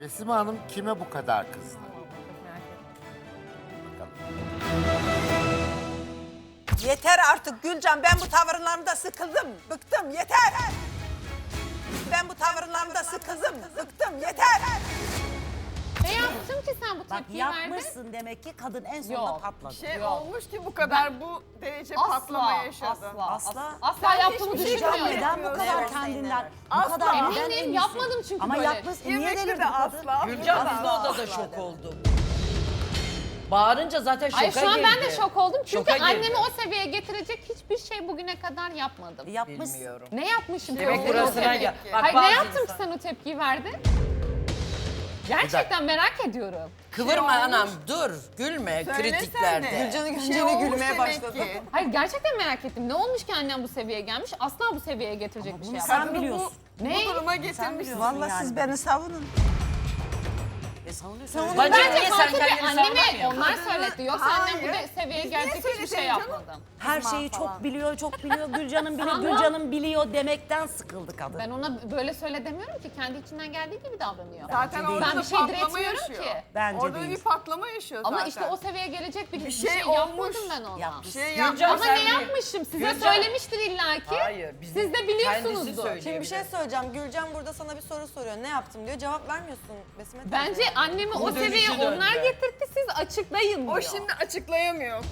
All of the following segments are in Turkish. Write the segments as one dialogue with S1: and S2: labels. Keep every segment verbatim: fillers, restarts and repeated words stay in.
S1: Besime Hanım kime bu kadar kızdı? Bakalım.
S2: Yeter artık Gülcan, ben bu tavırlarımda sıkıldım, bıktım, yeter. Ben bu tavırlarımda sıkıldım, bıktım, yeter.
S3: Ne yaptım ki sen bu
S4: Bak
S3: tepkiyi verdin?
S4: yapmışsın demek ki kadın en sonunda
S3: Yok.
S4: patladı.
S5: şey
S3: Yok.
S5: olmuş ki bu kadar bu derece patlama yaşadın.
S3: Asla,
S4: Asla.
S3: asla
S5: Sen
S3: yaptığımı
S5: hiçbir şey
S3: düşünmüyorum.
S5: yapmıyorsun.
S4: Neden bu kadar
S5: Evet,
S4: kendinden, bu
S5: Asla.
S4: kadar neden
S3: Eminim,
S4: eminsin?
S3: yapmadım çünkü
S4: Ama
S3: böyle.
S4: yapmışsın, niye
S5: Yemekte
S4: delirdin
S5: de
S4: kadın?
S5: asla.
S6: Gülcan
S5: burada
S6: biz de
S5: da
S6: odada
S5: asla
S6: şok
S5: dedi.
S6: olduk. Bağırınca zaten şoka
S3: Ay şu an
S6: girdi.
S3: ben de şok oldum çünkü
S6: Şoka girdi.
S3: annemi o seviyeye getirecek hiçbir şey bugüne kadar yapmadım.
S4: Yapmışsın.
S6: Bilmiyorum.
S3: Ne yapmışım?
S6: Demek
S3: ki o
S6: burasına
S3: tepkiyi?
S6: gel. Bak,
S3: Hayır ne
S6: bazı
S3: yaptım
S6: insan-
S3: ki sen o tepkiyi verdin? Gerçekten merak ediyorum.
S6: Kıvırma
S5: Şey
S6: anam
S5: olmuş.
S6: dur gülme
S5: Söylesene.
S6: kritiklerde.
S5: Gülcan'ı
S2: görünce
S5: şey
S2: de
S5: olmuş
S2: gülmeye
S5: demek
S2: başladı.
S5: ki.
S3: Hayır gerçekten merak ettim. Ne olmuş ki annem bu seviyeye gelmiş? Asla bu seviyeye getirecek bir şey
S4: Bunu
S3: yapmadı.
S4: sen
S5: Kadını
S4: biliyorsun.
S5: Bu,
S3: Ne?
S5: bu duruma
S4: Sen
S5: getirmişsin.
S4: biliyorsun
S2: Vallahi
S4: yani.
S2: siz beni savunun.
S4: E savunuyorsun.
S6: Bacım
S3: Bence
S6: niye sen
S3: Fatih Bey
S6: kendini
S3: anneme
S6: savunamıyorsun?
S3: onlar söyletti. Yoksa annem bu
S5: Hayır.
S3: de- seviyeye
S5: Biz niye
S3: gelecek hiçbir şey
S5: söyleyeceğiz canım?
S3: yapmadım.
S4: Her şeyi çok biliyor, çok biliyor. Gülcan'ın biliyor,
S3: Ama-
S4: Gülcan'ın biliyor demekten sıkıldı kadın.
S3: Ben ona böyle söyle demiyorum ki. Kendi içinden geldiği gibi davranıyor.
S5: Zaten
S4: değil.
S5: orada
S3: Ben
S5: da
S3: bir şey
S5: patlama
S3: diretmiyorum
S5: yaşıyor.
S3: ki.
S4: Bence
S5: Orada
S4: değil.
S5: bir patlama yaşıyor zaten.
S3: Ama işte o seviyeye gelecek bir, bir
S5: şey
S3: şey,
S5: olmuş.
S3: yapmadım ben ona.
S4: Yapmış.
S5: şey
S6: Gülcan
S5: yapmış.
S3: Ama
S6: sen
S3: ne
S6: bir-
S3: yapmışım? Size
S6: Gülcan-
S3: söylemiştir illaki.
S6: Hayır. Biz
S3: Siz de
S6: Kendisi
S3: biliyorsunuzdur.
S6: söyleyebilir.
S7: Şimdi bir şey söyleyeceğim. Gülcan burada sana bir soru soruyor. Ne yaptım diyor. Cevap vermiyorsun Besime teyze.
S3: Bence annemi o
S6: Bu dönüşü
S3: seviyeye
S6: döndü.
S3: onlar getirtti, siz açıklayın diyor.
S5: O şimdi açıklayamıyor.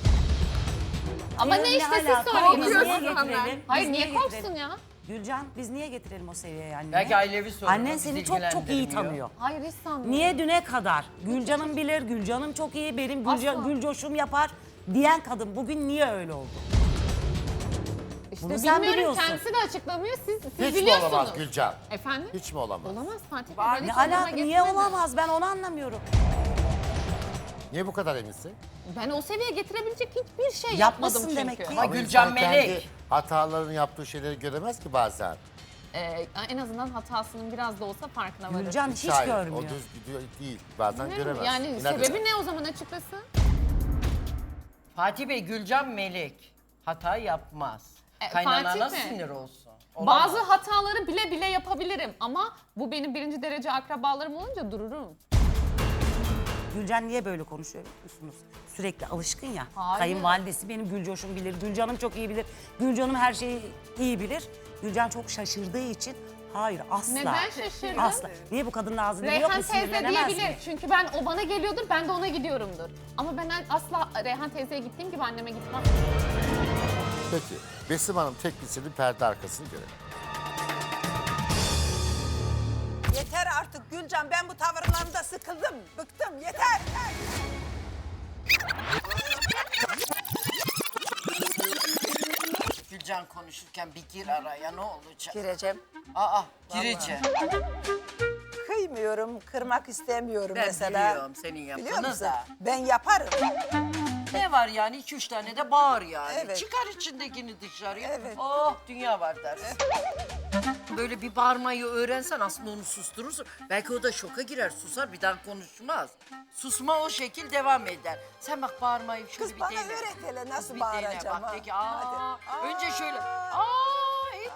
S3: Ama
S4: Ee,
S3: ne işte siz
S4: alaka?
S3: söyleyin.
S4: Biz
S5: Korkuyorsun
S4: niye
S5: senden.
S4: getirelim?
S3: Hayır
S4: Biz
S3: niye
S4: getirelim?
S3: korksun ya?
S4: Gülcan biz niye getirelim o seviyeye anneni?
S6: Belki ailevi sorun.
S4: Annen
S6: bizi
S4: seni çok çok iyi
S6: ilgilendirmiyor.
S4: tanıyor.
S3: Hayır hiç sanmıyorum.
S4: Niye düne kadar? Gülcan'ım bilir, Gülcan'ım çok iyi, benim Gülcan,
S3: Asla.
S4: Gülcoş'um yapar diyen kadın bugün niye öyle oldu?
S3: İşte
S4: Bunu sen
S3: bilmiyorum,
S4: biliyorsun.
S3: kendisi de açıklamıyor, siz, siz
S1: Hiç mi
S3: biliyorsunuz.
S1: olamaz Gülcan?
S3: Efendim?
S1: Hiç mi olamaz?
S3: Olamaz Fatih Bey.
S5: Var.
S3: böyle
S4: Ne
S3: hiç aklıma
S4: alaka, niye
S3: getirmedi.
S4: olamaz ben onu anlamıyorum.
S1: Niye bu kadar eminsin?
S3: Ben o seviyeye getirebilecek hiçbir şey
S4: Yapmasın
S3: yapmadım çünkü.
S4: demek ki.
S6: Ama
S1: Ama
S6: Gülcan
S1: insan kendi
S6: melek.
S1: hatalarını yaptığı şeyleri göremez ki bazen.
S3: Ee, en azından hatasının biraz da olsa farkına varır.
S4: Gülcan hiç
S1: Hayır,
S4: görmüyor.
S1: O düz gidiyor değil. Bazen
S3: Ne?
S1: göremez.
S3: Yani
S1: İnat
S3: sebebi
S1: eder.
S3: ne o zaman açıklasın?
S6: Fatih Bey Gülcan melek. Hata yapmaz.
S3: E,
S6: Kaynanana
S3: Fatih
S6: nasıl
S3: Bey.
S6: sinir olsun? Olamaz.
S3: Bazı hataları bile bile yapabilirim ama bu benim birinci derece akrabalarım olunca dururum.
S4: Gülcan niye böyle konuşuyor biliyor musunuz? Sürekli alışkın ya.
S3: Hayır.
S4: Kayınvalidesi benim Gülcoş'um bilir, Gülcan'ım çok iyi bilir. Gülcan'ım her şeyi iyi bilir. Gülcan çok şaşırdığı için hayır asla.
S3: Neden şaşırdın?
S4: Asla. Niye bu kadının ağzında yok
S3: Reyhan
S4: mu
S3: teyze
S4: sinirlenemez
S3: diyebilir
S4: mi?
S3: çünkü ben o bana geliyordur ben de ona gidiyorumdur. Ama ben asla Reyhan teyzeye gittiğim gibi anneme gitmem.
S1: Peki. Besim Hanım teknisinin perde arkasını görelim.
S2: Yeter artık Gülcan, ben bu tavırlarımda sıkıldım, bıktım, yeter.
S6: Gülcan konuşurken bir gir araya ne olacak?
S2: Gireceğim.
S6: Aa gireceğim.
S2: Kıymıyorum, kırmak istemiyorum
S6: Ben
S2: mesela.
S6: biliyorum senin
S2: Biliyor
S6: yaptığını
S2: musun?
S6: da.
S2: Ben yaparım.
S6: Ne var yani iki üç tane de bağır yani.
S2: Evet.
S6: Çıkar içindekini dışarıya.
S2: Evet.
S6: Oh dünya var dersin. Böyle bir bağırmayı öğrensen aslında onu susturursun. Belki o da şoka girer susar bir daha konuşmaz. Susma o şekil devam eder. Sen bak bağırmayı şöyle
S2: Kız
S6: bir
S2: bana
S6: dene.
S2: öğret hele nasıl
S6: Bir dene
S2: bağıracağım
S6: bak
S2: ha.
S6: de ki aa.
S2: Hadi.
S6: Önce şöyle
S2: Aa.
S6: aa et.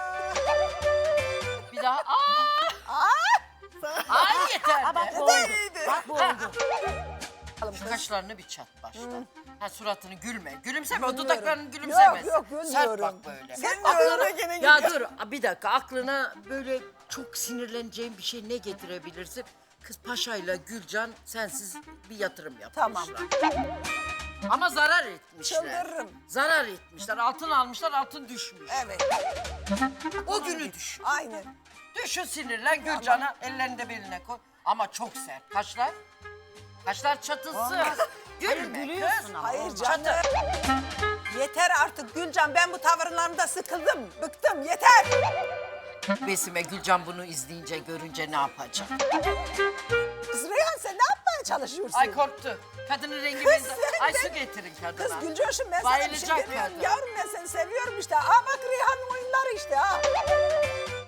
S6: Bir daha aa. Aa yeter
S4: Ha, bak
S6: de.
S4: bu oldu.
S2: Neydi?
S4: Bak bu oldu.
S6: Şu kaşlarını bir çat başla. Ha suratını gülme. Gülümseme o
S2: Gülmüyorum.
S6: dudaklarını gülümsemez.
S2: Yok, yok,
S6: Sert
S2: gülmüyorum.
S6: bak böyle.
S2: Sen de
S6: Aklına-
S2: öyle gene
S6: Ya
S2: gidiyor.
S6: dur bir dakika aklına böyle çok sinirleneceğin bir şey ne getirebilirsin? Kız Paşa'yla Gülcan sensiz bir yatırım yapmışlar.
S2: Tamam.
S6: Ama zarar etmişler.
S2: Çıldırırım.
S6: Zarar etmişler. Altın almışlar altın düşmüş.
S2: Evet,
S6: O günü düşün.
S2: aynen.
S6: Düşün sinirlen Gülcan'a ellerini de beline koy. Ama çok sert. Kaşlar? Kaşlar çatılsın.
S4: Olmaz.
S6: Gülme
S4: Hayır, gülüyorsun
S6: kız.
S4: ama.
S2: Hayır
S4: olmaz.
S2: canım. Yeter artık Gülcan, ben bu tavırlarımda sıkıldım, bıktım, yeter.
S6: Besime Gülcan bunu izleyince görünce ne yapacak?
S2: Kız Reyhan sen ne yapmaya çalışıyorsun?
S6: Ay korktu. Kadının rengi
S2: Kız
S6: benzer.
S2: sen
S6: Ay
S2: de-
S6: su getirin kadına.
S2: Kız Gülcoş'um ben sana bir şey
S6: Bayılacak
S2: demiyorum.
S6: kadın.
S2: Yavrum ben seni seviyorum işte. Aa bak Reyhan'ın oyunları işte ha.